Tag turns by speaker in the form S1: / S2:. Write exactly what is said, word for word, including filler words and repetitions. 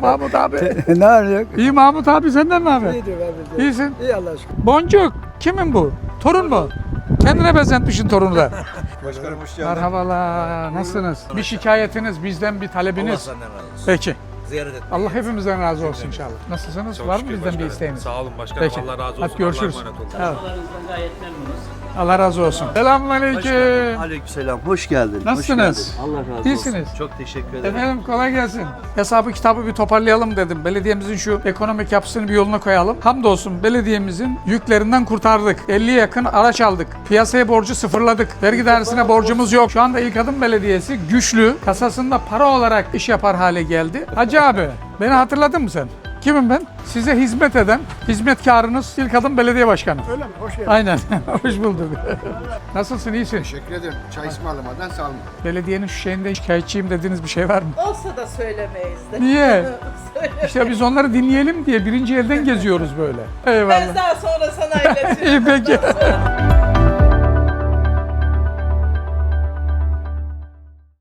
S1: Mahmut abi.
S2: Ne arıyor?
S1: İyi Mahmut abi, senden ne haber?
S2: İyidir abi.
S1: İyisin.
S2: İyi Allah aşkına.
S1: Boncuk, kimin bu? Torun mu? Kendine benzetmişsin torunu da.
S3: Başkanım hoş geldin.
S1: Merhabalar, nasılsınız? Bir şikayetiniz, bizden bir
S3: Allah
S1: talebiniz.
S3: senden razı olsun.
S1: Peki.
S3: Ziyaret etmeye
S1: Allah
S3: geldim.
S1: hepimizden razı olsun inşallah. Nasılsınız?
S4: Çok
S1: Var mı
S4: şükür
S1: bizden
S4: başkanım.
S1: bir isteğiniz?
S4: Sağ olun başkanım.
S1: Peki.
S4: Allah razı olsun.
S1: Hadi görüşürüz.
S4: Allah'a emanet olun.
S1: Evet.
S5: Çalışmalarınızdan gayet memnunuz.
S1: Allah razı olsun. Selamünaleyküm.
S6: Aleykümselam. Hoş geldin.
S1: Nasılsınız?
S6: Hoş geldin. Allah razı olsun.
S1: İyisiniz.
S6: Çok teşekkür ederim.
S1: Efendim kolay gelsin. Hesabı kitabı bir toparlayalım dedim. Belediyemizin şu ekonomik yapısını bir yoluna koyalım. Hamdolsun belediyemizin yüklerinden kurtardık. elliye yakın araç aldık. Piyasaya borcu sıfırladık. Vergi dairesine borcumuz yok. Şu anda İlk Adım Belediyesi güçlü, kasasında para olarak iş yapar hale geldi. Hacı abi, beni hatırladın mı sen? Kimim ben? Size hizmet eden, hizmetkarınız İlk Adım Belediye Başkanı.
S2: Öyle mi? Hoş geldin.
S1: Aynen. Hoş bulduk. Nasılsın? İyisin?
S7: Teşekkür ederim. Çay ısmarlamadan sağ olun.
S1: Belediyenin şu şeyinde şikayetçiyim dediğiniz bir şey var mı?
S5: Olsa da söylemeyiz de.
S1: Niye?
S5: Söyle.
S1: İşte biz onları dinleyelim diye birinci elden geziyoruz böyle. Eyvallah.
S5: Ben daha sonra sana iletirim.
S1: İyi peki.